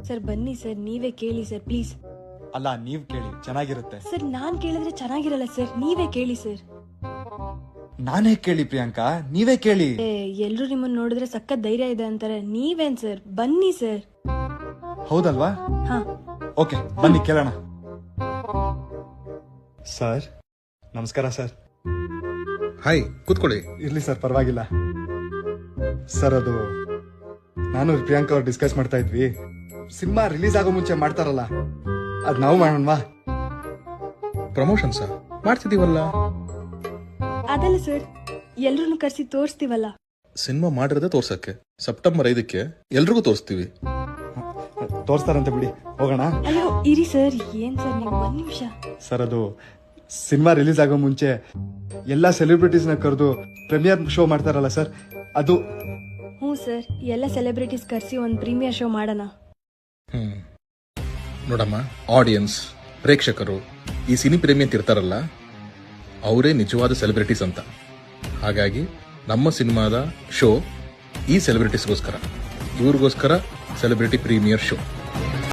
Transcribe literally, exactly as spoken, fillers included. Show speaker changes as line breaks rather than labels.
Sir ಬನ್ನಿ sir, ನೀವೇ ಕೇಳಿ ಸರ್ ಪ್ಲೀಸ್.
ಅಲ್ಲ, ನೀವ್ ಕೇಳಿ, ಚೆನ್ನಾಗಿರುತ್ತೆ.
ಸರ್ ನಾನ್ ಕೇಳಿದ್ರೆ ಚೆನ್ನಾಗಿರಲ್ಲ ಸರ್, ನೀವೇ ಕೇಳಿ ಸರ್.
ನಾನೇ ಕೇಳಿ ಪ್ರಿಯಾಂಕಾ, ನೀವೇ ಕೇಳಿ.
ಎಲ್ರು ನಿಮ್ಮನ್ನ ನೋಡಿದ್ರೆ ಸಖತ್ ಧೈರ್ಯ ಇದೆ ಅಂತಾರೆ, ನೀವೇನ್ ಸರ್, ಬನ್ನಿ ಸರ್.
ಹೌದಲ್ವಾ?
ಹಾ
ಓಕೆ, ಬನ್ನಿ ಕೇಳೋಣ. ಸರ್ ನಮಸ್ಕಾರ. ಸರ್
ಹಾಯ್, ಕೂತ್ಕೊಳ್ಳಿ.
ಇರ್ಲಿ ಸರ್, ಪರವಾಗಿಲ್ಲ. ಸರ್ ಅದು ನಾನು ಪ್ರಿಯಾಂಕಾ ಅವ್ರು ಡಿಸ್ಕಸ್ ಮಾಡ್ತಾ ಇದ್ವಿ, ಸಿನಿಮಾ ರಿಲೀಸ್ ಆಗೋ ಮುಂಚೆ ಮಾಡ್ತಾರಲ್ಲ, ಅದ್ ನಾವು ಮಾಡೋಣವಾ?
Promotion sir ಮಾಡ್ತಿದೀವಲ್ಲ.
ಅದಲ್ಲ ಸರ್, ಎಲ್ರು ಕರ್ಸಿ ತೋರಿಸ್ತೀವಲ್ಲ.
ಸಿನಿಮಾ ಮಾಡಿರೋದೇ ತೋರ್ಸಕ್ಕೆ. ಸೆಪ್ಟೆಂಬರ್ ಐದಕ್ಕೆ ಎಲ್ರಿಗೂ ತೋರಿಸ್ತೀವಿ.
ತೋರಿಸ್ತಾರಂತೆ ಬಿಡಿ, ಹೋಗೋಣ.
ಅಯ್ಯೋ ಇರಿ ಸರ್, ಏನ್ ಸರ್ ನೀವು ಒಂದ್ ನಿಮಿಷ.
ಸರ್ ಅದು ಸಿನಿಮಾ ರಿಲೀಸ್ ಆಗೋ ಮುಂಚೆ ಎಲ್ಲಾ ಸೆಲೆಬ್ರಿಟೀಸ್ನ ಕರೆದು ಪ್ರೀಮಿಯರ್ ಶೋ ಮಾಡ್ತಾರಲ್ಲ ಸರ್, ಅದು.
ಹ್ಞೂ ಸರ್, ಎಲ್ಲ ಸೆಲೆಬ್ರಿಟೀಸ್ ಕರ್ಸಿ ಒಂದ್ ಪ್ರೀಮಿಯರ್ ಶೋ ಮಾಡೋಣ.
ಹ್ಮ್ ನೋಡಮ್ಮ, ಆಡಿಯನ್ಸ್, ಪ್ರೇಕ್ಷಕರು ಈ ಸಿನಿ ಪ್ರೇಮಿ ಅಂತ ಇರ್ತಾರಲ್ಲ, ಅವರೇ ನಿಜವಾದ ಸೆಲೆಬ್ರಿಟೀಸ್ ಅಂತ. ಹಾಗಾಗಿ ನಮ್ಮ ಸಿನಿಮಾದ ಶೋ ಈ ಸೆಲೆಬ್ರಿಟೀಸ್ಗೋಸ್ಕರ, ಇವ್ರಿಗೋಸ್ಕರ ಸೆಲೆಬ್ರಿಟಿ ಪ್ರೀಮಿಯರ್ ಶೋ.